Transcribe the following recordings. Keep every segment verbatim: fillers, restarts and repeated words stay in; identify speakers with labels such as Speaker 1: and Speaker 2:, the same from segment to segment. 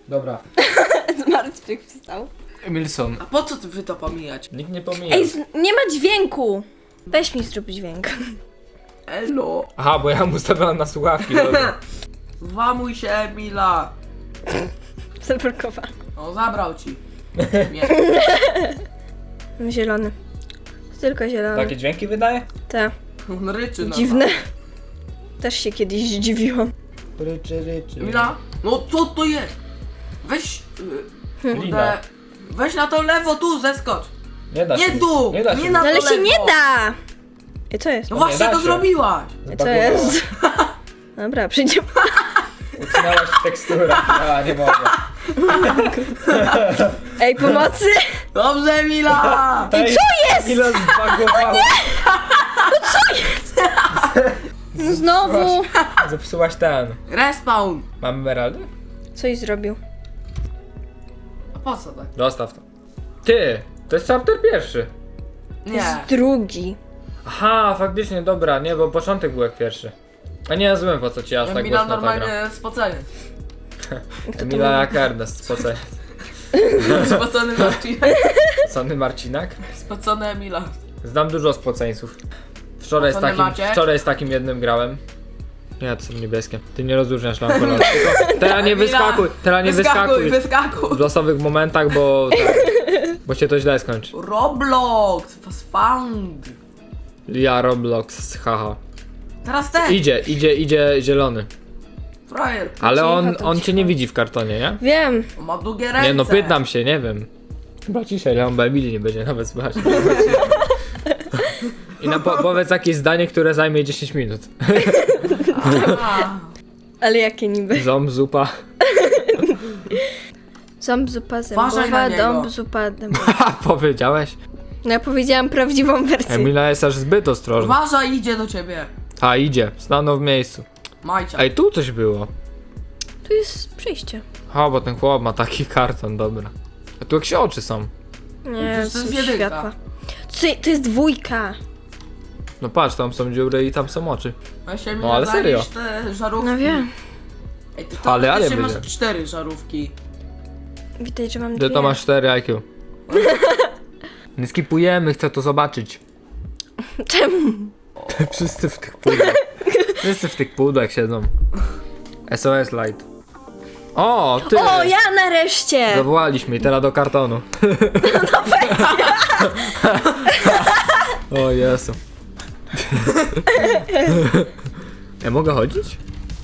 Speaker 1: Dobra.
Speaker 2: Zmartwych wstał.
Speaker 1: Emilson.
Speaker 3: A po co ty wy to pomijać?
Speaker 1: Nikt nie pomija.
Speaker 2: Ej, z- nie ma dźwięku. Weź mi zrób dźwięk.
Speaker 3: Elo.
Speaker 1: Aha, bo ja mu ustawiałem na słuchawki. Dobra.
Speaker 3: Włamuj się, Emila.
Speaker 2: Zablokowa.
Speaker 3: O, zabrał ci. Nie.
Speaker 2: Zielony. Tylko zielony.
Speaker 1: Takie dźwięki wydaje?
Speaker 2: Te.
Speaker 3: On ryczy na
Speaker 2: Dziwne. Też się kiedyś zdziwiłam.
Speaker 1: Ryczy, ryczy.
Speaker 3: Emila? No co to jest? Weź... Yy,
Speaker 1: Lina.
Speaker 3: kurde, weź na to lewo, tu, zeskocz.
Speaker 1: Nie da się.
Speaker 3: Nie tu!
Speaker 1: Nie da się.
Speaker 3: Nie na
Speaker 2: No ale
Speaker 3: to
Speaker 2: się
Speaker 3: lewo.
Speaker 2: nie da! I co jest?
Speaker 3: No
Speaker 1: nie
Speaker 3: właśnie
Speaker 1: da
Speaker 3: to
Speaker 1: się.
Speaker 3: zrobiłaś.
Speaker 2: Co jest? Dobra, przyjdziemy.
Speaker 1: Ucinałaś teksturę. A, nie mogę.
Speaker 2: Ej, pomocy!
Speaker 3: Dobrze, Emila!
Speaker 1: Ej,
Speaker 2: co jest?
Speaker 1: Ile zbagowało.
Speaker 2: No znowu!
Speaker 1: Zepsułaś ten.
Speaker 3: Respawn.
Speaker 1: Mamy emeraldy?
Speaker 2: Coś zrobił.
Speaker 3: A po co tak?
Speaker 1: Dostaw to. Ty, to jest chapter pierwszy.
Speaker 2: To
Speaker 3: Nie.
Speaker 2: jest drugi.
Speaker 1: Aha, faktycznie, dobra, nie, bo początek był jak pierwszy. A nie rozumiem, po co ci aż tak
Speaker 3: Emila
Speaker 1: głośno ta gra.
Speaker 3: normalnie spocenie.
Speaker 2: Kto to
Speaker 1: Emila
Speaker 2: mówi?
Speaker 1: jak Ernest, spocę.
Speaker 3: Spocony Marcinek.
Speaker 1: Sony Marcinak?
Speaker 3: Spocony Emila.
Speaker 1: Znam dużo spoceńców. Wczoraj z,
Speaker 3: Spocony
Speaker 1: takim,
Speaker 3: Maciek?
Speaker 1: wczoraj z takim jednym grałem. Nie, to są niebieskie. Ty nie rozróżniasz lam kolorów. Tylko Teraz nie
Speaker 3: Emila,
Speaker 1: wyskakuj, teraz nie wyskakuj.
Speaker 3: Wyskakuj,
Speaker 1: W losowych momentach, bo... Tak, bo się to źle skończy.
Speaker 3: Roblox, was found.
Speaker 1: Ja Roblox, haha.
Speaker 3: Teraz ten.
Speaker 1: Idzie, idzie, idzie zielony.
Speaker 3: Frajer.
Speaker 1: Ale
Speaker 2: Cicho,
Speaker 1: on,
Speaker 2: to
Speaker 1: on
Speaker 2: cicho.
Speaker 1: cię nie widzi w kartonie, nie?
Speaker 2: Wiem.
Speaker 3: On ma długie ręce.
Speaker 1: Nie no, pytam się, nie wiem. Chyba ciszej, ale on Emilii nie będzie nawet słychać. I na po powiedz jakieś zdanie, które zajmie dziesięć minut.
Speaker 3: A,
Speaker 2: Ale jakie niby?
Speaker 1: Ząb, zupa.
Speaker 2: Ząb, zupa,
Speaker 3: Uważaj na
Speaker 2: zębowa,
Speaker 3: niego.
Speaker 2: dąb, zupa, dębowa.
Speaker 1: Ha, powiedziałeś?
Speaker 2: No ja powiedziałam prawdziwą wersję.
Speaker 1: Emila jest aż zbyt ostrożna.
Speaker 3: uważaj, idzie do ciebie.
Speaker 1: A, idzie. Stanął w miejscu.
Speaker 3: Majcia.
Speaker 1: Ej, tu coś było.
Speaker 2: Tu jest przejście.
Speaker 1: Ha, bo ten chłop ma taki karton, dobra. A tu jakieś oczy są.
Speaker 2: Nie,
Speaker 3: To
Speaker 2: to
Speaker 3: jest
Speaker 2: są
Speaker 3: jedynka.
Speaker 2: światła. Co, to jest dwójka.
Speaker 1: No patrz, tam są dziury i tam są oczy.
Speaker 3: Weź Emila,
Speaker 1: No, ale serio.
Speaker 3: zajesz te żarówki.
Speaker 2: No wiem.
Speaker 3: Ej, ty to
Speaker 1: Ale, ale
Speaker 3: ale masz
Speaker 1: będzie.
Speaker 3: cztery żarówki.
Speaker 2: Widać, że mam
Speaker 1: Ty
Speaker 2: dwie.
Speaker 1: to masz cztery I Q. Nie skipujemy, chcę to zobaczyć.
Speaker 2: Czemu?
Speaker 1: Wszyscy w tych pudłach. Wszyscy w tych pudłach siedzą. S O S Light. O, ty!
Speaker 2: O, ja nareszcie!
Speaker 1: Zawołaliśmy i teraz do kartonu. O Jezu. Ja mogę chodzić?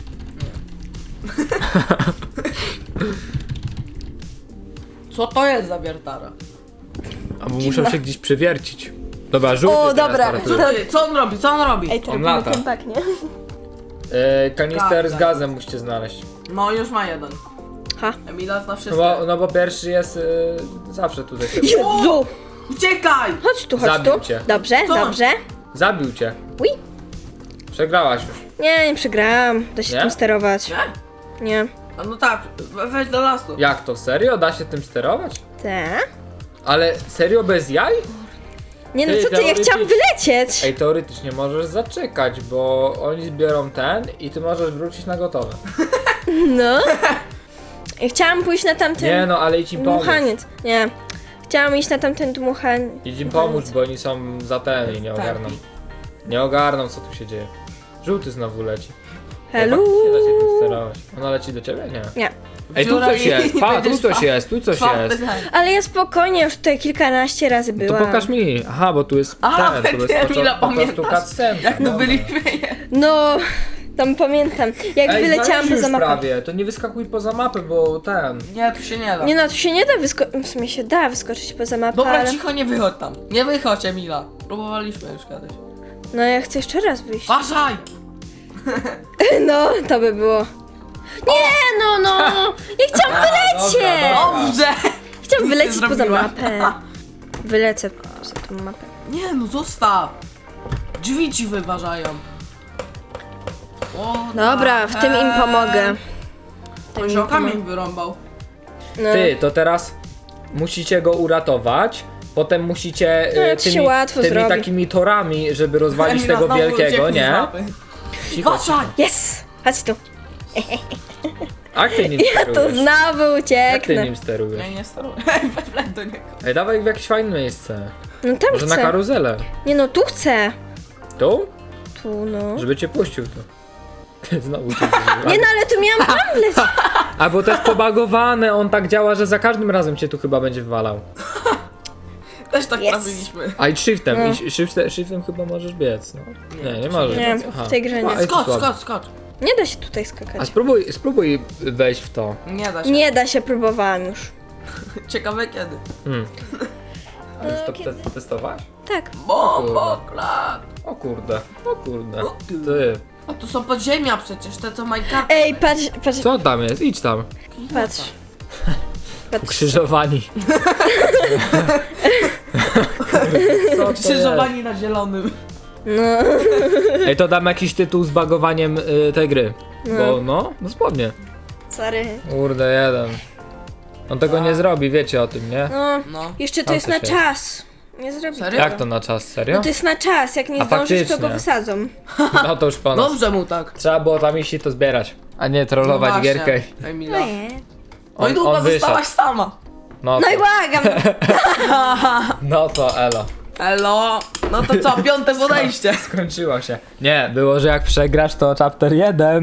Speaker 3: Co to jest za wiertara?
Speaker 1: A bo muszę się gdzieś przewiercić. Dobra, żółty
Speaker 2: O,
Speaker 1: teraz
Speaker 2: dobra.
Speaker 1: startuje.
Speaker 3: Co, to jest? Co on robi? Co on robi?
Speaker 2: Ej, to
Speaker 1: On
Speaker 2: robimy
Speaker 1: lata.
Speaker 2: ten tak, nie?
Speaker 1: E, kanister z
Speaker 3: Tak,
Speaker 1: gazem musicie znaleźć.
Speaker 3: No już ma jeden.
Speaker 2: Ha.
Speaker 3: Emila zna
Speaker 1: No
Speaker 3: wszystko.
Speaker 1: bo, no bo pierwszy jest e, zawsze tutaj.
Speaker 2: Jezu!
Speaker 3: Uciekaj!
Speaker 2: Chodź tu, chodź
Speaker 1: Zabił
Speaker 2: tu.
Speaker 1: cię.
Speaker 2: Dobrze,
Speaker 3: Co?
Speaker 2: dobrze.
Speaker 1: Zabił cię.
Speaker 2: Ui.
Speaker 1: Przegrałaś już.
Speaker 2: Nie, nie przegrałam. Da się
Speaker 1: Nie?
Speaker 2: tym sterować.
Speaker 3: Nie?
Speaker 2: Nie.
Speaker 3: A no tak, we- weź do lasu.
Speaker 1: Jak to? Serio? Da się tym sterować?
Speaker 2: Te?
Speaker 1: Ale serio bez jaj?
Speaker 2: Nie no,
Speaker 1: Ty,
Speaker 2: co ty, ja chciałam
Speaker 1: teoretycznie-
Speaker 2: wylecieć.
Speaker 1: Ej, teoretycznie możesz zaczekać, bo oni zbiorą ten i ty możesz wrócić na gotowe.
Speaker 2: No. Ja chciałam pójść na tamten
Speaker 1: Nie no, ale idź im pomóc.
Speaker 2: dmuchaniec. Nie. Chciałam iść na tamten dmuchaniec.
Speaker 1: Idź im pomóc, bo oni są za ten i nie
Speaker 3: Tak.
Speaker 1: ogarną. Nie ogarną, co tu się dzieje. Żółty znowu leci. Ej,
Speaker 2: Hello.
Speaker 1: faktycznie da się tym sterować. Ona leci do ciebie? Nie.
Speaker 2: Nie.
Speaker 1: Ej, tu
Speaker 3: Dziura
Speaker 1: coś
Speaker 3: i-
Speaker 1: jest,
Speaker 3: i
Speaker 1: pa, tu
Speaker 3: będziesz
Speaker 1: coś
Speaker 3: fa-
Speaker 1: jest, tu coś
Speaker 3: Czwarty
Speaker 1: jest.
Speaker 3: ten.
Speaker 2: Ale ja spokojnie już tutaj kilkanaście razy
Speaker 1: No to
Speaker 2: byłam.
Speaker 1: pokaż mi. Aha, bo tu jest
Speaker 3: A,
Speaker 1: ten, tu jest
Speaker 3: Emila,
Speaker 1: po, po prostu
Speaker 3: pamiętasz?
Speaker 1: cutscenka.
Speaker 3: Jak my
Speaker 1: Dobra.
Speaker 3: byliśmy.
Speaker 2: No, tam pamiętam. Jak
Speaker 1: Ej,
Speaker 2: wyleciałam
Speaker 1: znaleźli
Speaker 2: poza
Speaker 1: już
Speaker 2: mapę.
Speaker 1: prawie, to nie wyskakuj poza mapę, bo ten...
Speaker 3: Nie, tu się nie da.
Speaker 2: Nie no, tu się nie da wyskoczyć. W sumie się da wyskoczyć poza mapę,
Speaker 3: Dobra,
Speaker 2: ale...
Speaker 3: cicho, nie wychodź tam. Nie wychodź, Emila. Próbowaliśmy już kiedyś.
Speaker 2: No ja chcę jeszcze raz wyjść.
Speaker 3: Uważaj!
Speaker 2: No, to by było. Nie, no, no! Ja chciałam
Speaker 1: A,
Speaker 2: wylecieć!
Speaker 1: dobra, dobra.
Speaker 3: Dobrze!
Speaker 2: Chciałam
Speaker 3: Nic
Speaker 2: wylecieć
Speaker 3: nie
Speaker 2: poza
Speaker 3: zrobiła.
Speaker 2: mapę. Wylecę poza tą mapę.
Speaker 3: Nie no, zostaw! Drzwi ci wyważają. O,
Speaker 2: Dobra, w tym im pomogę. Tym
Speaker 3: On
Speaker 2: im
Speaker 3: się o kamień
Speaker 2: pomogę.
Speaker 3: wyrąbał.
Speaker 2: No.
Speaker 1: Ty, to teraz musicie go uratować, potem musicie
Speaker 2: No,
Speaker 1: e,
Speaker 2: to się
Speaker 1: tymi,
Speaker 2: łatwo
Speaker 1: tymi
Speaker 2: zrobi.
Speaker 1: takimi torami, żeby rozwalić
Speaker 3: Emila
Speaker 1: tego
Speaker 3: znowu
Speaker 1: wielkiego,
Speaker 3: ucieknie z
Speaker 1: nie?
Speaker 3: mapy.
Speaker 1: Cicho, cicho.
Speaker 3: Uważaj!
Speaker 2: Yes! Chodź tu.
Speaker 1: A ty nim
Speaker 2: Ja tu
Speaker 1: sterujesz?
Speaker 2: znowu
Speaker 1: Jak ty
Speaker 2: ucieknę.
Speaker 1: nim sterujesz?
Speaker 3: Ja nie steruję. Wleć do niego.
Speaker 1: Ej, dawaj w jakieś fajne miejsce.
Speaker 2: No tam
Speaker 1: Może na
Speaker 2: chcę.
Speaker 1: karuzelę.
Speaker 2: Nie no, tu chcę.
Speaker 1: Tu?
Speaker 2: Tu no.
Speaker 1: Żeby cię puścił tu. Ty znowu cię
Speaker 2: Nie no, ale tu miałam hamlet.
Speaker 1: A bo to jest pobagowane, on tak działa, że za każdym razem cię tu chyba będzie wywalał.
Speaker 3: Też tak
Speaker 2: Yes.
Speaker 3: robiliśmy.
Speaker 1: A i shiftem,
Speaker 2: No.
Speaker 1: i shiftem, shiftem chyba możesz biec, no. Nie, nie możesz.
Speaker 2: Nie,
Speaker 1: Aha.
Speaker 2: w tej grze nie.
Speaker 1: A, i to
Speaker 3: Skocz,
Speaker 1: słabo.
Speaker 3: skocz, skocz.
Speaker 2: Nie da się tutaj
Speaker 1: A
Speaker 2: skakać.
Speaker 1: spróbuj, spróbuj wejść w to.
Speaker 3: Nie da się.
Speaker 2: Nie da się, próbowałam już.
Speaker 3: Ciekawe kiedy.
Speaker 1: Hmm. A już to
Speaker 2: Kiedy?
Speaker 1: te testowałaś?
Speaker 2: Tak.
Speaker 3: Bomboklat.
Speaker 1: O kurde, o kurde.
Speaker 3: O kurde.
Speaker 1: Ty.
Speaker 3: A tu są podziemia przecież, te co Minecraft.
Speaker 2: Ej, patrz, patrz,
Speaker 1: Co tam jest? Idź tam.
Speaker 2: patrz. Patrz.
Speaker 1: Ukrzyżowani. Co to jest?
Speaker 3: Krzyżowani na zielonym.
Speaker 2: No.
Speaker 1: Ej, to dam jakiś tytuł z bagowaniem y, tej gry. Bo no, dosłownie.
Speaker 2: Sorry.
Speaker 1: Kurde, jeden. On tego nie zrobi, wiecie o tym, nie?
Speaker 2: No.
Speaker 3: No.
Speaker 2: Jeszcze to
Speaker 1: Tam
Speaker 2: jest
Speaker 1: coś
Speaker 2: na
Speaker 1: jest.
Speaker 2: czas. Nie zrobi
Speaker 3: Serio?
Speaker 2: tego.
Speaker 1: Jak to na czas, serio?
Speaker 2: No to jest na czas, jak nie
Speaker 1: A
Speaker 2: zdążysz, to
Speaker 1: faktycznie.
Speaker 2: go wysadzą.
Speaker 1: No to już po nas.
Speaker 3: Dobrze mu tak.
Speaker 1: Trzeba było tam iść i to zbierać, a nie trollować
Speaker 3: No
Speaker 1: gierkę.
Speaker 3: właśnie, Emila.
Speaker 2: No nie.
Speaker 3: No i
Speaker 1: On,
Speaker 3: długo
Speaker 1: on wyszedł.
Speaker 3: zostałaś sama.
Speaker 1: No,
Speaker 2: No i
Speaker 1: to,
Speaker 2: błagam.
Speaker 1: no to elo.
Speaker 3: Elo. No to co, piąte podejście.
Speaker 1: Skończyło się. Nie, było, że jak przegrasz to chapter jeden.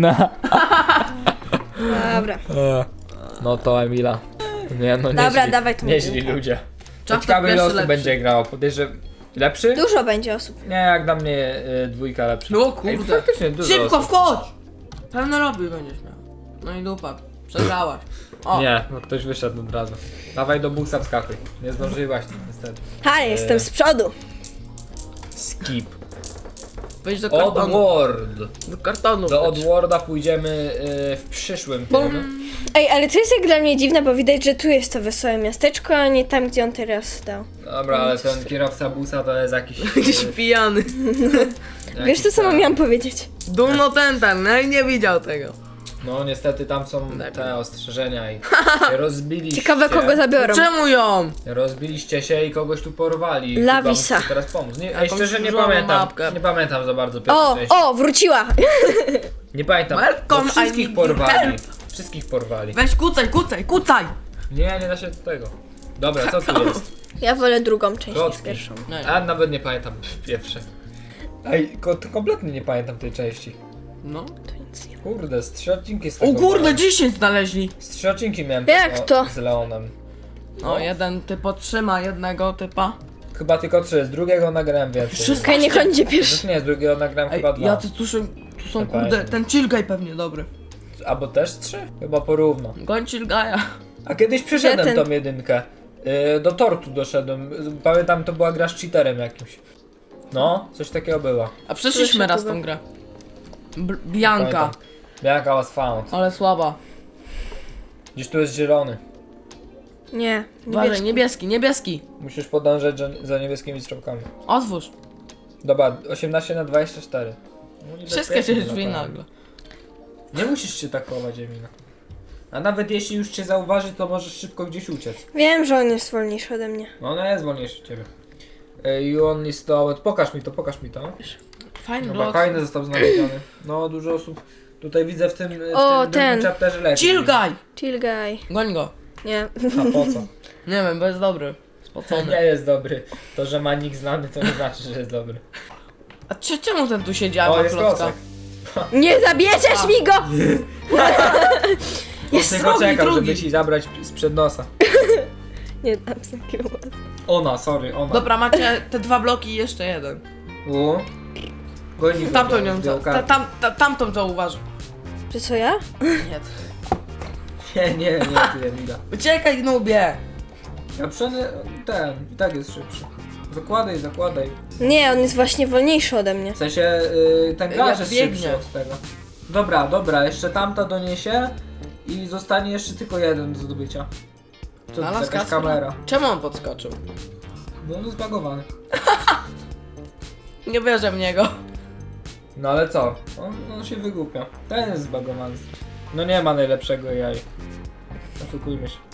Speaker 2: Dobra.
Speaker 1: No to Emila. Nie no,
Speaker 2: Dobra,
Speaker 1: nieźli,
Speaker 2: dawaj tu
Speaker 1: nieźli
Speaker 2: piłkę.
Speaker 1: ludzie.
Speaker 3: Chapter
Speaker 1: Ciekawy
Speaker 3: pierwszy
Speaker 1: los
Speaker 3: lepszy.
Speaker 1: będzie grał. Podejrzewam. Lepszy?
Speaker 2: Dużo będzie osób.
Speaker 1: Nie, jak dla mnie y, dwójka lepsza.
Speaker 3: No
Speaker 1: Ej,
Speaker 3: kurde.
Speaker 1: faktycznie dużo
Speaker 3: Szybko
Speaker 1: osób.
Speaker 3: wchodź. Pełne robi będziesz miał. No i dupa. Przegrałaś. O.
Speaker 1: Nie, bo ktoś wyszedł od razu. Dawaj do busa wskakuj. Nie zdążyłaś niestety.
Speaker 2: Ha, jestem z przodu.
Speaker 1: Skip.
Speaker 3: Wejdź do kartonu.
Speaker 1: Oddworld.
Speaker 3: Do kartonu.
Speaker 1: Do
Speaker 3: wejdź.
Speaker 1: Oddworlda pójdziemy y, w przyszłym tym.
Speaker 2: Ej, ale to jest jak dla mnie dziwne, bo widać, że tu jest to wesołe miasteczko, a nie tam, gdzie on teraz dał.
Speaker 1: Dobra, ale ten kierowca busa to jest jakiś...
Speaker 3: Jakiś
Speaker 1: y,
Speaker 3: pijany.
Speaker 2: Wiesz,
Speaker 1: jakiś
Speaker 2: to samo
Speaker 1: ten-
Speaker 2: miałam powiedzieć.
Speaker 3: Dumno ten ten, no i nie widział tego.
Speaker 1: No niestety tam są te ostrzeżenia i rozbiliście.
Speaker 2: Ciekawe, kogo zabiorą.
Speaker 3: Czemu ją?
Speaker 1: Rozbiliście się i kogoś tu porwali.
Speaker 2: Lawisa.
Speaker 1: Chyba musicie teraz pomóc. Nie, ej,
Speaker 3: Jakąś
Speaker 1: szczerze nie
Speaker 3: różową
Speaker 1: pamiętam.
Speaker 3: mapkę.
Speaker 1: Nie pamiętam za bardzo pierwszej
Speaker 2: O,
Speaker 1: części.
Speaker 2: o, wróciła!
Speaker 1: Nie pamiętam.
Speaker 3: Welcome,
Speaker 1: Bo wszystkich
Speaker 3: I need
Speaker 1: porwali.
Speaker 3: help.
Speaker 1: Wszystkich porwali.
Speaker 3: Weź kucaj, kucaj, kucaj!
Speaker 1: Nie, nie da się do tego. Dobra, co tu jest?
Speaker 2: Ja wolę drugą część niż
Speaker 1: Klocki.
Speaker 2: pierwszą.
Speaker 3: No
Speaker 1: A nawet nie pamiętam pierwsze. Ej, ko kompletnie nie pamiętam tej części.
Speaker 3: No.
Speaker 2: To nic nie.
Speaker 1: Kurde, z trzy odcinki z
Speaker 3: O
Speaker 1: tego
Speaker 3: kurde,
Speaker 1: miałem.
Speaker 3: dziesięć znaleźli.
Speaker 1: Z trzy odcinki miałem
Speaker 2: Jak
Speaker 1: tego
Speaker 2: to?
Speaker 1: z Leonem.
Speaker 3: No, jeden typ otrzyma jednego typa.
Speaker 1: Chyba tylko trzy, z drugiego nagrałem więcej.
Speaker 3: Wszystko.
Speaker 2: Okej, niech on idzie
Speaker 1: Już
Speaker 2: pierwszy.
Speaker 1: nie, z drugiego nagrałem
Speaker 3: Ej,
Speaker 1: chyba dwa.
Speaker 3: ja tu, tu są, tu są
Speaker 1: Nie
Speaker 3: kurde,
Speaker 1: pamiętam.
Speaker 3: ten chillguy pewnie dobry.
Speaker 1: Albo też trzy? Chyba porówno.
Speaker 3: Goń chillguya.
Speaker 1: A kiedyś przeszedłem
Speaker 2: Gdzie ten?
Speaker 1: tą jedynkę. Yy, do tortu doszedłem. Pamiętam, to była gra z cheaterem jakimś. No, coś takiego było.
Speaker 3: A przeszliśmy
Speaker 2: Słyszę
Speaker 3: raz
Speaker 2: to,
Speaker 3: tą grę. B Bianka,
Speaker 1: Pamiętam. Bianca was found.
Speaker 3: ale słaba.
Speaker 1: Gdzieś tu jest zielony.
Speaker 2: Nie,
Speaker 3: Uważaj,
Speaker 2: niebieski.
Speaker 3: niebieski, niebieski.
Speaker 1: Musisz podążać za- za niebieskimi strzałkami.
Speaker 3: Otwórz.
Speaker 1: Dobra, osiemnaście na dwadzieścia cztery. No,
Speaker 3: Wszystkie
Speaker 1: niebezpiecznie
Speaker 3: się drzwi
Speaker 1: naprawdę.
Speaker 3: nagle.
Speaker 1: Nie musisz się tak chować, Emina. A nawet jeśli już cię zauważy, to możesz szybko gdzieś uciec.
Speaker 2: Wiem, że on jest wolniejszy ode mnie.
Speaker 1: No ona jest wolniejsza od ciebie. Ej, You only stole... Pokaż mi to, pokaż mi to.
Speaker 3: Fajny
Speaker 1: Dobra,
Speaker 3: blok.
Speaker 1: fajny został znaleziony. No, dużo osób tutaj widzę w tym, w
Speaker 2: O,
Speaker 1: tym
Speaker 2: ten.
Speaker 1: drugim chapterze leci.
Speaker 3: Chillguy!
Speaker 2: Chill guy.
Speaker 3: Goń go.
Speaker 2: Nie.
Speaker 1: A po co?
Speaker 3: Nie wiem, bo jest dobry. Spocony.
Speaker 1: Nie jest dobry. To, że ma nick znany, to nie znaczy, że jest dobry.
Speaker 3: A cze- czemu ten tu siedzi, a
Speaker 1: O,
Speaker 3: ma
Speaker 1: jest
Speaker 3: klocka?
Speaker 1: klocek.
Speaker 2: Nie zabierzesz mi go!
Speaker 3: Jest
Speaker 1: On tylko
Speaker 3: drugi,
Speaker 1: czekał,
Speaker 3: drugi.
Speaker 1: żeby ci zabrać sprzed nosa.
Speaker 2: Nie dam takiego.
Speaker 1: Ona, sorry, ona.
Speaker 3: Dobra, macie te dwa bloki i jeszcze jeden.
Speaker 1: U. Goni go,
Speaker 3: Tamtą nią,
Speaker 1: zdjął
Speaker 3: ta,
Speaker 1: kartę.
Speaker 3: tam, ta, tamtą zauważy.
Speaker 2: Czy co ja?
Speaker 3: Nie.
Speaker 1: Nie, nie, nie, ty Emila.
Speaker 3: Uciekaj, nubie!
Speaker 1: Ja przeny... ten, i tak jest szybszy. Zakładaj, zakładaj.
Speaker 2: Nie, on jest właśnie wolniejszy ode mnie.
Speaker 1: W sensie, yy, ten
Speaker 3: Jak
Speaker 1: garz jest
Speaker 3: biegnie.
Speaker 1: szybszy od tego. Dobra, dobra, jeszcze tamta doniesie i zostanie jeszcze tylko jeden do zdobycia. Co to
Speaker 3: Znalazł
Speaker 1: jest jakaś
Speaker 3: Kacpra?
Speaker 1: kamera?
Speaker 3: Czemu on podskoczył?
Speaker 1: No, no zbagowany.
Speaker 3: Nie wierzę w niego.
Speaker 1: No ale co? On, on się wygłupia. Ten jest zbagowany. No nie ma najlepszego jaj. Oszukujmy się.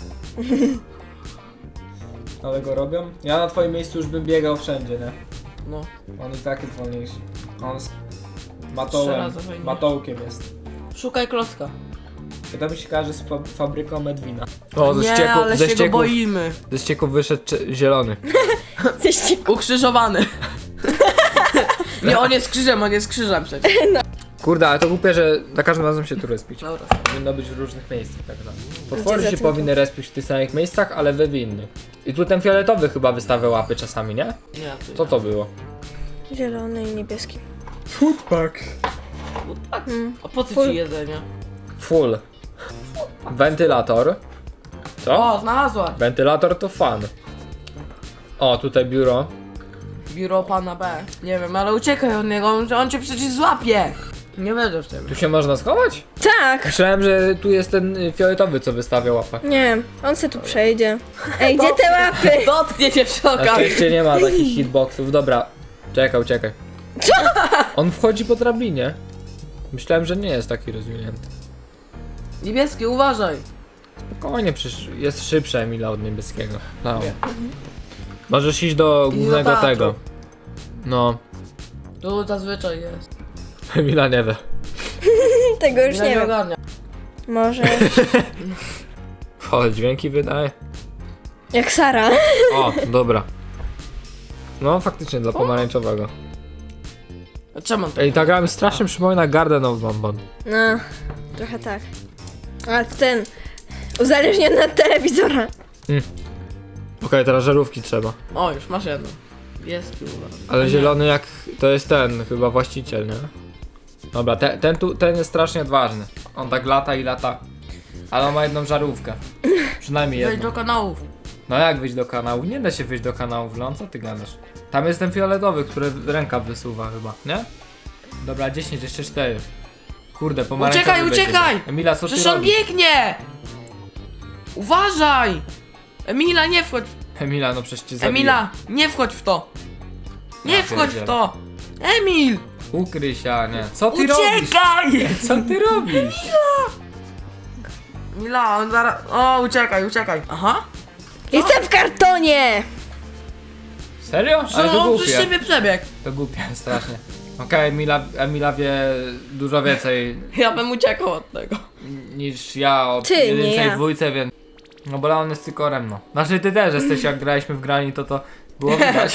Speaker 1: Ale go robią? Ja na twoim miejscu już bym biegał wszędzie, nie?
Speaker 3: No.
Speaker 1: On i tak jest wolniejszy. On z
Speaker 3: Trzy
Speaker 1: matołem,
Speaker 3: razy wolniejszy.
Speaker 1: matołkiem jest.
Speaker 3: Szukaj klocka.
Speaker 1: To mi się kojarzy z fa fabryką Medwina. O, ze
Speaker 3: Nie,
Speaker 1: ścieków,
Speaker 3: ale
Speaker 1: ze
Speaker 3: się go
Speaker 1: ścieków,
Speaker 3: boimy.
Speaker 1: ze ścieków wyszedł cze- zielony.
Speaker 2: Jesteście
Speaker 3: Ukrzyżowany. Nie, on jest krzyżem, on jest krzyżem przecież.
Speaker 1: Kurde, ale to głupie, że za każdym razem się tu respić.
Speaker 3: Dobra.
Speaker 1: Powinno być w różnych miejscach tak naprawdę. Potwory
Speaker 2: Gdzie
Speaker 1: się
Speaker 2: za tym
Speaker 1: powinny respić w tych samych miejscach, ale wy w innych. I tu ten fioletowy chyba wystawia łapy czasami, nie?
Speaker 3: Nie, ty.
Speaker 1: Co to było?
Speaker 2: zielony i niebieski.
Speaker 1: Foodpack.
Speaker 3: Tak.
Speaker 2: Mm.
Speaker 3: A po co
Speaker 2: Full.
Speaker 3: ci jedzenie?
Speaker 1: Full. Wentylator. Co?
Speaker 3: O, znalazłaś.
Speaker 1: Wentylator to fan. O, tutaj biuro.
Speaker 3: Biuro pana B. Nie wiem, ale uciekaj od niego, on, on cię przecież złapie. Nie wierzę w ciebie.
Speaker 1: Tu się można schować?
Speaker 2: Tak!
Speaker 1: Myślałem, że tu jest ten y, fioletowy, co wystawia łapę.
Speaker 2: Nie, on se tu przejdzie. Ej, gdzie te łapy?
Speaker 3: Dotknie cię przy
Speaker 1: Na
Speaker 3: okazji.
Speaker 1: szczęście nie ma takich hitboxów. Dobra, czekaj, uciekaj. Co? On wchodzi po drabinie. Myślałem, że nie jest taki rozwinięty.
Speaker 3: Niebieski, uważaj.
Speaker 1: Spokojnie, przecież jest szybszy Emila od niebieskiego. No. Możesz iść do głównego
Speaker 3: teatru.
Speaker 1: tego. No,
Speaker 3: Tu zazwyczaj jest.
Speaker 1: Emila nie wie.
Speaker 2: Tego już
Speaker 3: Nie,
Speaker 2: nie
Speaker 3: nie
Speaker 2: wiem.
Speaker 3: ogarnia.
Speaker 2: Może...
Speaker 1: O, dźwięki wydaje.
Speaker 2: Jak Sara.
Speaker 1: O, dobra. No, faktycznie dla pomarańczowego.
Speaker 3: A czemu on to?
Speaker 1: Ej, ta gra mi strasznie przypomina Garden of Bonbon.
Speaker 2: No, trochę tak. A ten... Uzależniony od telewizora.
Speaker 1: Okej, teraz żarówki trzeba.
Speaker 3: O, już masz jedno. Niebieski, uważaj.
Speaker 1: Ale
Speaker 3: Nie.
Speaker 1: zielony jak... to jest ten, chyba właściciel, nie? Dobra, te, ten tu, ten jest strasznie odważny. On tak lata i lata. Ale on ma jedną żarówkę. Przynajmniej
Speaker 3: Wejdź
Speaker 1: jedną.
Speaker 3: do kanałów.
Speaker 1: No jak wyjść do kanału? Nie da się wyjść do kanału, Lon, co ty gadasz? Tam jest ten fioletowy, który ręka wysuwa chyba, nie? Dobra, dziesięć, jeszcze cztery. Kurde, pomarańczowy
Speaker 3: Uciekaj,
Speaker 1: będzie.
Speaker 3: uciekaj!
Speaker 1: Emila, co ty
Speaker 3: Przecież on
Speaker 1: robisz?
Speaker 3: biegnie! Uważaj! Emila, nie wchodź.
Speaker 1: Emila, no przecież cię zabiję.
Speaker 3: Emila, nie wchodź w to. Nie
Speaker 1: Ja
Speaker 3: wchodź
Speaker 1: pierdzielę.
Speaker 3: w to. Emil!
Speaker 1: Ukryj się, a nie. Co ty robisz?
Speaker 3: Uciekaj!
Speaker 1: Co ty robisz?
Speaker 3: Emila, on zaraz... O, uciekaj, uciekaj. Aha.
Speaker 2: Jestem w kartonie!
Speaker 1: Serio? Ale
Speaker 3: Co,
Speaker 1: to
Speaker 3: on przez
Speaker 1: głupie.
Speaker 3: ciebie przebiegł.
Speaker 1: To głupie, strasznie. Okej, Emila, Emila wie dużo więcej
Speaker 3: Ja bym uciekał od tego.
Speaker 1: niż ja o
Speaker 2: Ty, nie
Speaker 1: jedynce i
Speaker 2: ja.
Speaker 1: dwójce, więc... No bo on jest cykorem, no. Znaczy ty też jesteś, jak graliśmy w grani, to to było widać.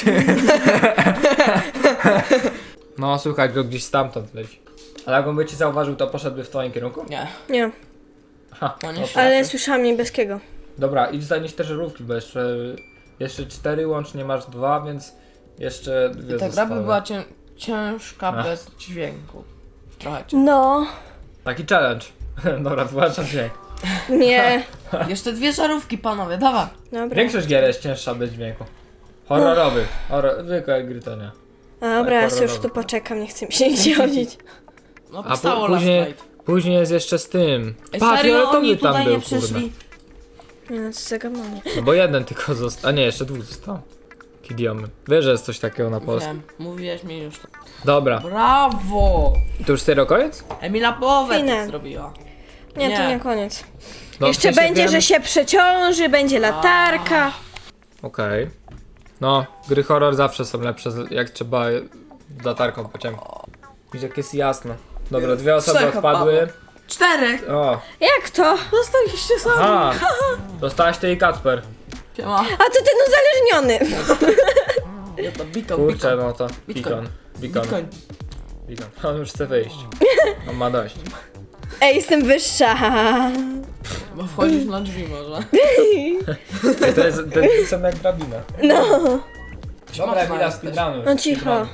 Speaker 1: No słuchaj, go gdzieś stamtąd leci. Ale jak on by ci zauważył, to poszedłby w twoim kierunku?
Speaker 3: Nie.
Speaker 2: Nie,
Speaker 1: Ha,
Speaker 3: No nie
Speaker 1: no
Speaker 3: się-
Speaker 1: tak.
Speaker 2: ale słyszałam niebieskiego.
Speaker 1: Dobra, idź zanieść te żarówki, bo jeszcze... Jeszcze cztery, łącznie masz dwa, więc... Jeszcze dwie
Speaker 3: Ta gra
Speaker 1: zostały.
Speaker 3: by była cię, ciężka
Speaker 1: Ach.
Speaker 3: bez dźwięku. Trochę cię.
Speaker 2: No,
Speaker 1: Taki challenge. Dobra, wyłączam dźwięk.
Speaker 2: nie.
Speaker 3: Jeszcze dwie żarówki, panowie, dawaj.
Speaker 2: Dobra.
Speaker 1: Większość gier jest cięższa bez dźwięku. Horrorowy. Horror, zwykłe gry to nie.
Speaker 2: Dobra, ja sobie już
Speaker 1: horrorowy.
Speaker 2: tu poczekam, nie chcę mi się nigdzie chodzić.
Speaker 3: No
Speaker 1: A
Speaker 3: powstało
Speaker 1: po,
Speaker 3: Last
Speaker 1: później,
Speaker 3: Night.
Speaker 1: później jest jeszcze z tym.
Speaker 3: Ej,
Speaker 1: Pa,
Speaker 3: serio,
Speaker 1: fioletowy
Speaker 3: oni
Speaker 1: tam
Speaker 3: tutaj
Speaker 1: był,
Speaker 3: nie przyszli?
Speaker 1: kurde.
Speaker 2: Nie no, co za gamanie.
Speaker 1: No bo jeden tylko został. A nie, jeszcze dwóch został. Kidiomy. Wiesz, że jest coś takiego na polsku.
Speaker 3: Wiem, mówiłeś mi już to.
Speaker 1: Dobra.
Speaker 3: Brawo!
Speaker 1: I to już serio koniec?
Speaker 3: Emila połowę
Speaker 2: Finał.
Speaker 3: tak zrobiła.
Speaker 2: Nie, to
Speaker 3: Nie.
Speaker 2: nie koniec.
Speaker 1: No,
Speaker 2: Jeszcze
Speaker 1: w sensie
Speaker 2: będzie,
Speaker 1: wiem-
Speaker 2: że się przeciąży, będzie latarka.
Speaker 1: Okej. No, gry horror zawsze są lepsze, z- jak trzeba z latarką pociągnąć. Widzisz, jak jest jasno. Dobra, dwie osoby
Speaker 3: Trzech
Speaker 1: odpadły.
Speaker 3: Czterech!
Speaker 1: O,
Speaker 2: Jak to?
Speaker 3: Zostaliście sami.
Speaker 1: a, dostałaś ty i Kacper.
Speaker 3: Siema.
Speaker 2: A to ten uzależniony.
Speaker 3: Ja to beacon,
Speaker 1: Kurczę,
Speaker 3: beacon.
Speaker 1: no to
Speaker 3: Bitcoin.
Speaker 1: Beacon. Beacon.
Speaker 3: Bitcoin.
Speaker 1: Beacon. On już chce wyjść. On ma dość.
Speaker 2: Ej, jestem wyższa.
Speaker 3: Bo wchodzisz na drzwi może.
Speaker 1: Ej, to jest ten sam jak drabina.
Speaker 2: No.
Speaker 1: Dobra, Emila,
Speaker 3: jesteś.
Speaker 1: speedrunuj.
Speaker 2: No cicho.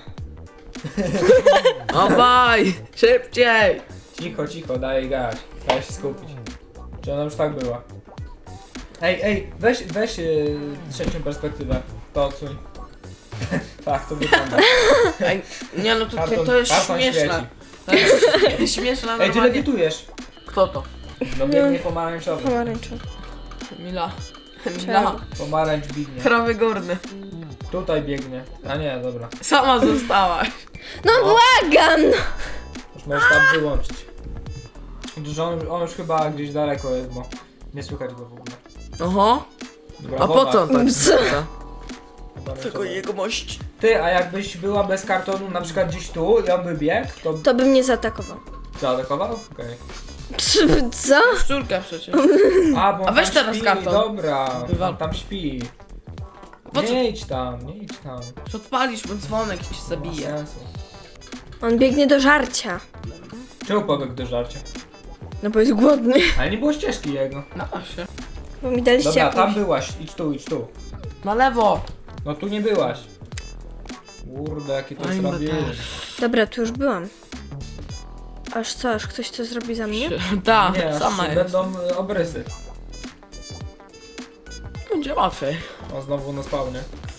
Speaker 3: Obaj! Szybciej!
Speaker 1: Cicho, cicho, daj gać. Daj się skupić. Czy ona już tak była? Ej, ej, weź, weź yy, trzecią perspektywę. To odsuń. Tak, to wygląda.
Speaker 3: Ej, nie no to,
Speaker 1: Karton-
Speaker 3: to, to jest
Speaker 1: karton
Speaker 3: śmieszne.
Speaker 1: świeci.
Speaker 3: To jest śmieszne
Speaker 1: Ej, ty
Speaker 3: normalnie.
Speaker 1: lewitujesz.
Speaker 3: Kto to?
Speaker 1: No biegnie pomarańczowy.
Speaker 2: Pomarańczowy.
Speaker 3: Emila. Emila.
Speaker 1: Pomarańcz biegnie.
Speaker 3: Krawy górny.
Speaker 1: Tutaj biegnie. A nie, dobra.
Speaker 3: Sama zostałaś.
Speaker 2: No błagam.
Speaker 1: Już możesz tam wyłączyć. Że on, on już chyba gdzieś daleko jest, bo nie słychać go w ogóle.
Speaker 3: Oho.
Speaker 1: Dobra,
Speaker 3: A po
Speaker 1: woda.
Speaker 3: co on tak?
Speaker 2: Co?
Speaker 1: Pomarańczowa.
Speaker 3: Tylko jegomość.
Speaker 1: Ty, a jakbyś była bez kartonu na przykład gdzieś tu i on by biegł, to
Speaker 2: To by mnie zaatakował.
Speaker 1: zaatakował? Okej.
Speaker 2: Co?
Speaker 3: Szczurkę przecież.
Speaker 1: A, bo
Speaker 3: A
Speaker 1: on
Speaker 3: weź
Speaker 1: tam
Speaker 3: teraz
Speaker 1: śpi,
Speaker 3: karton.
Speaker 1: dobra.
Speaker 3: Wywal.
Speaker 1: On tam śpi.
Speaker 3: Po co?
Speaker 1: Nie idź tam, nie idź tam.
Speaker 3: Odpalisz mu dzwonek i cię
Speaker 1: Nie ma
Speaker 3: zabije.
Speaker 1: sensu.
Speaker 2: On biegnie do żarcia.
Speaker 1: Czemu pobiegł do żarcia?
Speaker 2: No bo jest głodny.
Speaker 1: Ale nie było ścieżki jego.
Speaker 3: No właśnie.
Speaker 2: Bo mi daliście
Speaker 1: Dobra,
Speaker 2: jakąś...
Speaker 1: tam byłaś, idź tu, idź tu.
Speaker 3: Na lewo.
Speaker 1: No tu nie byłaś. Kurde, jakie to
Speaker 3: Oj,
Speaker 1: jest
Speaker 3: no
Speaker 1: robienie.
Speaker 3: też.
Speaker 2: Dobra, tu już byłam. Aż co, aż ktoś to zrobi za mnie?
Speaker 3: Tak,
Speaker 1: Nie,
Speaker 3: sama
Speaker 1: aż
Speaker 3: jest.
Speaker 1: będą y, obrysy.
Speaker 3: Będzie łatwiej.
Speaker 1: O, znowu na spawnie.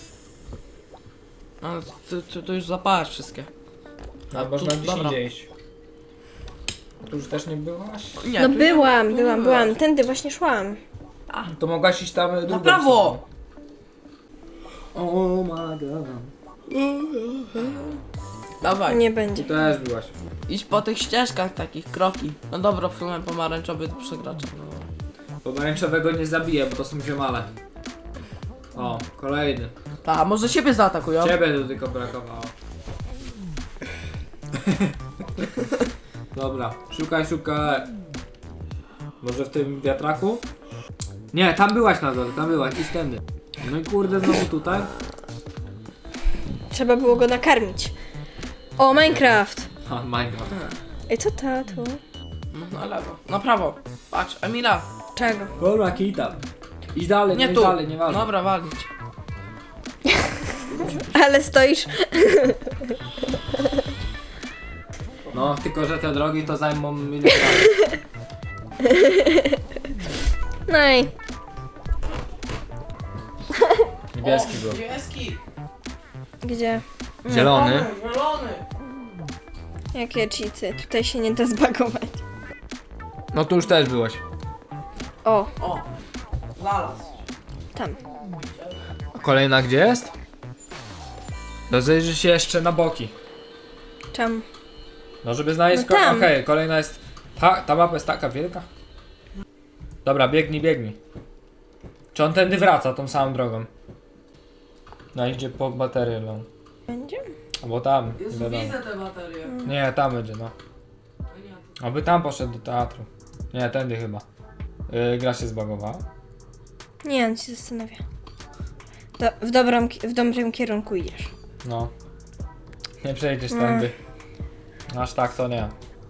Speaker 3: Ale ty, ty, ty już zapalasz wszystkie.
Speaker 1: A
Speaker 3: A
Speaker 1: można
Speaker 3: tu-
Speaker 1: gdzieś
Speaker 3: dobra.
Speaker 1: indziej iść. Tu już też nie byłaś?
Speaker 3: Nie,
Speaker 2: No
Speaker 3: tu nie-
Speaker 2: byłam,
Speaker 3: tu nie
Speaker 2: byłam,
Speaker 3: byłaś.
Speaker 2: byłam. Tędy właśnie szłam.
Speaker 1: To mogłaś iść tam y, drugą
Speaker 3: prawo!
Speaker 1: stroną. O my god.
Speaker 3: Dawaj,
Speaker 2: Nie
Speaker 1: Tu
Speaker 2: będzie.
Speaker 1: też byłaś.
Speaker 3: idź po tych ścieżkach takich, kroki. No dobra, w sumie pomarańczowy to przegracz.
Speaker 1: Pomarańczowego nie zabiję, bo to są ziomale. O, kolejny.
Speaker 3: A może siebie zaatakują?
Speaker 1: Ciebie tu tylko brakowało. Dobra, szukaj, szukaj. Może w tym wiatraku? Nie, tam byłaś na dole, tam byłaś, idź tędy. No i kurde, znowu tutaj.
Speaker 2: Trzeba było go nakarmić. O, Minecraft!
Speaker 1: Ha, Minecraft.
Speaker 2: Ej, co tato?
Speaker 3: No, na lewo. Na prawo. Patrz, Emila.
Speaker 2: Czego?
Speaker 1: Dobra, kita. Idź dalej,
Speaker 3: Nie
Speaker 1: nie
Speaker 3: tu.
Speaker 1: dalej, nie ważne.
Speaker 3: Dobra, walić.
Speaker 2: Ale stoisz...
Speaker 1: No, tylko że te drogi to zajmą milion lat.
Speaker 2: No i...
Speaker 1: Niebieski był.
Speaker 3: Niebieski.
Speaker 2: Gdzie?
Speaker 1: Zielony.
Speaker 3: Zielony.
Speaker 2: Jakie cheaty? Tutaj się nie da zbagować.
Speaker 1: No tu już też byłeś.
Speaker 2: O,
Speaker 3: O. Znalazł.
Speaker 2: tam.
Speaker 1: A kolejna gdzie jest? Rozejrzyj się jeszcze na boki.
Speaker 2: Czemu?
Speaker 1: No żeby znaleźć...
Speaker 2: No
Speaker 1: ko-
Speaker 2: tam.
Speaker 1: Okej, kolejna jest... Ta, ta mapa jest taka wielka? Dobra, biegnij, biegnij. Czy on tędy wraca tą samą drogą? No idzie po baterię, no.
Speaker 2: Będzie?
Speaker 1: Albo tam, nie
Speaker 3: Jezu,
Speaker 1: wiadomo.
Speaker 3: widzę te baterie.
Speaker 1: Nie, tam będzie, no. Aby tam poszedł do teatru. Nie, tędy chyba. Yy, gra się zbagowała.
Speaker 2: Nie, on się zastanawia. Do, w, dobrym, ki- w dobrym kierunku idziesz.
Speaker 1: No. Nie przejdziesz
Speaker 2: Mm.
Speaker 1: tędy. Aż tak to nie.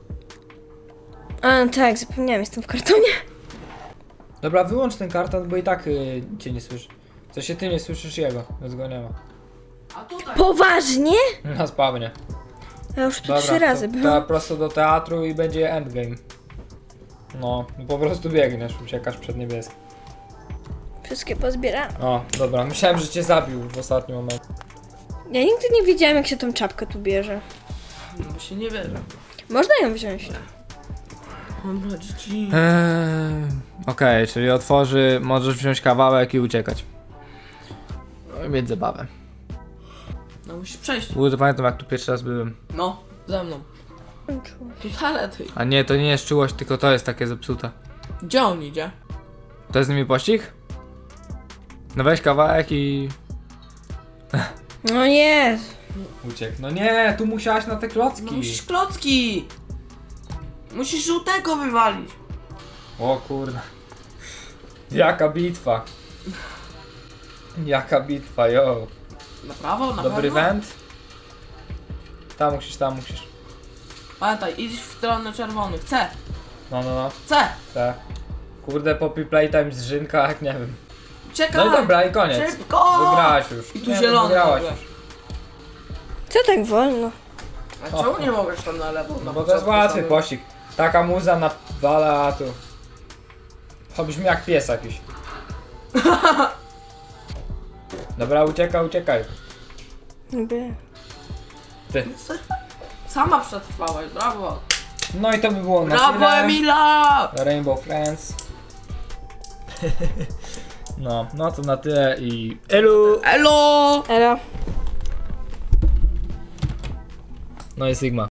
Speaker 2: A, tak, zapomniałam, jestem w kartonie.
Speaker 1: Dobra, wyłącz ten karton, bo i tak yy, cię nie słyszy. Co się ty nie słyszysz jego, więc go nie ma.
Speaker 3: A tutaj.
Speaker 2: Poważnie?
Speaker 1: Na spawnie.
Speaker 2: Ja już tu
Speaker 1: Dobra,
Speaker 2: trzy razy
Speaker 1: to,
Speaker 2: byłam.
Speaker 1: to prosto do teatru i będzie endgame. No, po prostu biegniesz, uciekasz przed niebieskim.
Speaker 2: Wszystkie pozbierałam.
Speaker 1: O, dobra, myślałem, że cię zabił w ostatnim momencie.
Speaker 2: Ja nigdy nie wiedziałam, jak się tą czapkę tu bierze.
Speaker 3: No bo się nie wierzę.
Speaker 2: Można ją wziąć.
Speaker 3: Dobra, dzieci.
Speaker 1: Eee, Okej, czyli otworzy, możesz wziąć kawałek i uciekać. No i mieć zabawę.
Speaker 3: No musisz przejść.
Speaker 1: Kurde, pamiętam jak tu pierwszy raz byłem.
Speaker 3: No, ze mną. Tu talety.
Speaker 1: A nie, to nie jest czułość, tylko to jest takie zepsute.
Speaker 3: Gdzie on idzie?
Speaker 1: To jest z nimi pościg? No weź kawałek i...
Speaker 2: No nie.
Speaker 1: Uciekł. No nie, tu musiałaś na te
Speaker 3: No
Speaker 1: klocki.
Speaker 3: musisz klocki. Musisz żółtego wywalić.
Speaker 1: O kurde. Jaka bitwa. Jaka bitwa, yo.
Speaker 3: Na prawo, na
Speaker 1: Dobry
Speaker 3: pewno?
Speaker 1: węd? Tam musisz, tam musisz.
Speaker 3: Pamiętaj, idź w stronę czerwonych. C,
Speaker 1: No, no, no.
Speaker 3: C.
Speaker 1: Te. Kurde, Poppy Playtime z Rzynka, jak nie wiem.
Speaker 3: Czekaj.
Speaker 1: No i dobra, i koniec.
Speaker 3: Szybko.
Speaker 1: Wygrałaś już.
Speaker 3: I tu
Speaker 1: Nie, no,
Speaker 3: zielony
Speaker 1: wygrałaś
Speaker 3: nagle.
Speaker 1: już.
Speaker 2: Co tak wolno?
Speaker 3: A czemu nie mogłeś tam na lewo?
Speaker 1: No
Speaker 3: Na
Speaker 1: bo to jest
Speaker 3: początku
Speaker 1: łatwy
Speaker 3: samym?
Speaker 1: pościg. Taka muza na wala, a tu... To brzmi jak pies jakiś. Dobra, uciekaj, uciekaj.
Speaker 2: Niby.
Speaker 1: Ty.
Speaker 3: Sama przetrwałaś, brawo.
Speaker 1: No i to by było na
Speaker 3: Brawo,
Speaker 1: tyle.
Speaker 3: Emila!
Speaker 1: Rainbow Friends. No, no to na tyle i... Elu!
Speaker 3: Elo!
Speaker 2: Elo.
Speaker 1: No i Sigma.